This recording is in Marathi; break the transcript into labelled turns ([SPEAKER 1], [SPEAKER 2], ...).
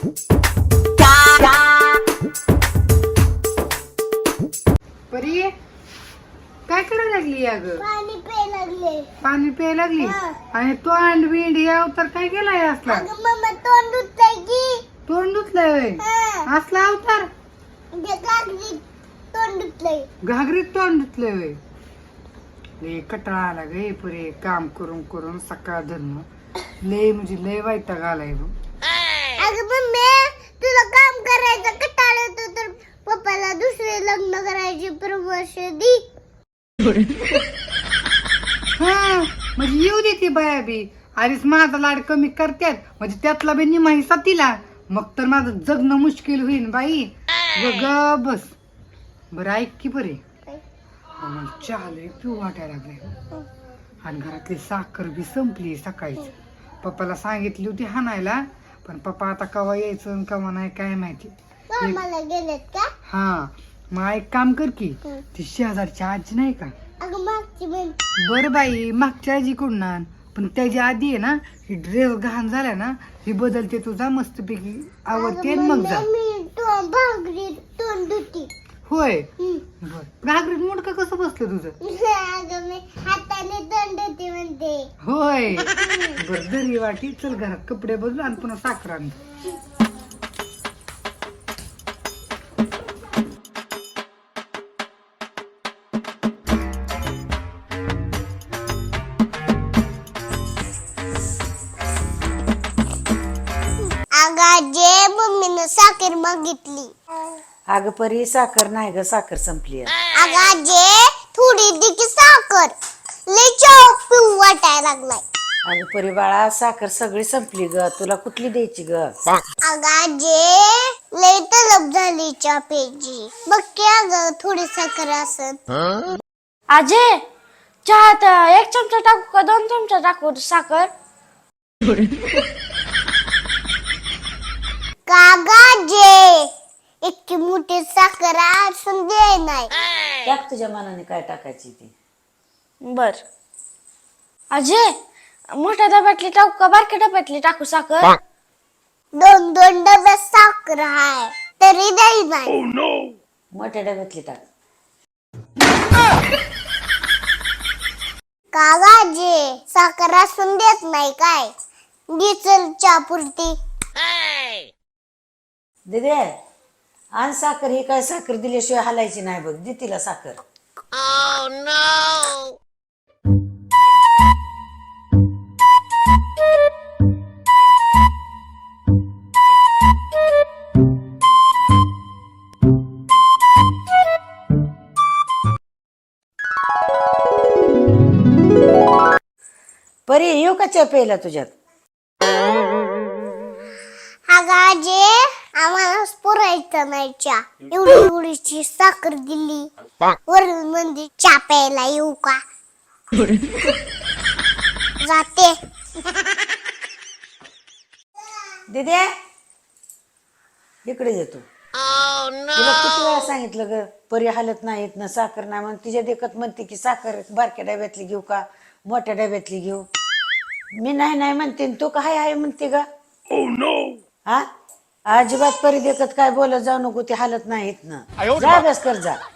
[SPEAKER 1] परी काय करायला लागली अगं?
[SPEAKER 2] पाणी प्यायला लागले.
[SPEAKER 1] पाणी प्यायला लागली आणि तो अंडबिंड याव तर काय केलाय असला?
[SPEAKER 2] अगं मम्मा तोंड धुतलंय की.
[SPEAKER 1] तोंड धुतलंय होय? असला अवतार
[SPEAKER 2] घागरीत तोंड धुतलंय.
[SPEAKER 1] घागरीत तोंड धुतलंय होय? लय कटाळा आला गे पुरे काम करून करून सकाळ धरण लय म्हणजे लय वैताग आलाय बघ.
[SPEAKER 2] अगं मम्मी तुला काम करायचं कंटाळा येतो तर पप्पाला दुसरे लग्न करायची परामर्श दी.
[SPEAKER 1] हा म्हणजे येऊ दे ती बाया बी आधीच माझा लाड कमी करतात म्हणजे त्यातला बी निमा हिस्सा तिला मग तर माझं जगणं मुश्किल होईल बाई. ग बस बरं ऐक की बरे मला चहा लय पिऊ वाटायला लागले आणि घरातली साखर बी संपली सकाळीच. पप्पाला सांगितली होती हाणायला पण पप्पा आता कवा यायचं आणि कवा नाही काय माहिती.
[SPEAKER 2] कामाला गेलेत का?
[SPEAKER 1] हा मग एक काम कर की ती शेजारची आजी नाही का?
[SPEAKER 2] अगं मागची बहीण.
[SPEAKER 1] बर बाई मागच्या आजी कडून आण पण त्याची आधी आहे ना ही ड्रेस घाण झाला ना ही बदलते तुझा मस्तपैकी आवडते आणि मग जा.
[SPEAKER 2] मी घागरीत तोंड धुती.
[SPEAKER 1] होय बर घागरीत मुडकं कसं बसलं तुझं?
[SPEAKER 2] अगं मी हाताने तोंड धुती म्हणते.
[SPEAKER 1] होय बर दरी वाटी चल घरात कपडे बदलू आणि पुन्हा साखर आण.
[SPEAKER 2] अगाजे मम्मीनं साखर मागितली.
[SPEAKER 3] अगं परी साखर नाही ग साखर संपली.
[SPEAKER 2] अगाजे थोडी दे की साखर लय चहा पिऊ वाटायला लागलाय.
[SPEAKER 3] अगं परी बाळा साखर सगळी संपली ग तुला कुठली द्यायची ग?
[SPEAKER 2] अगाजे लय तलब झाली चहा प्यायची. बघ की अगं थोडी साखर असन.
[SPEAKER 4] आजे चहात 1 चमचा टाकू का 2 चमचा टाकू साखर?
[SPEAKER 2] कागाजे इतकी मोठी साखर असून दे नाही.
[SPEAKER 3] टाक तुझ्या मनाने काय टाकायची ती.
[SPEAKER 4] बर आजे मोठ्या डब्यातली टाकू का बारक्या डब्यातली टाकू साखर?
[SPEAKER 2] 2 डब्यात साखर आहे तरी द्याय नाही.
[SPEAKER 3] मोठ्या डब्यातली टाक.
[SPEAKER 2] कागाजे साखर असून देत नाही काय? दिसल चहा पुरती.
[SPEAKER 3] दिदे आण साखर. ही काय साखर दिल्याशिवाय हालायची नाही बघ. दे तिला साखर. परी येऊ का चहा प्यायला तुझ्यात?
[SPEAKER 2] अगाजे आम्हाला पुरायचं नाही चहा. एवढीची साखर दिली वरून म्हणजे चहा प्यायला येऊ का? जाते.
[SPEAKER 3] दिदे इकडे येतो. तुला किती वेळा सांगितलं ग परी हालत नाहीत ना साखर नाही म्हणून तिच्या देखत म्हणते की साखर बारक्या डब्यातली घेऊ का मोठ्या डब्यातली घेऊ. मी नाही नाही म्हणते तू काय आहे म्हणते ग? हा अजिबात परी देखत काय बोलत जाऊ नको. ते हालत नाहीत ना. जा अभ्यास कर जा.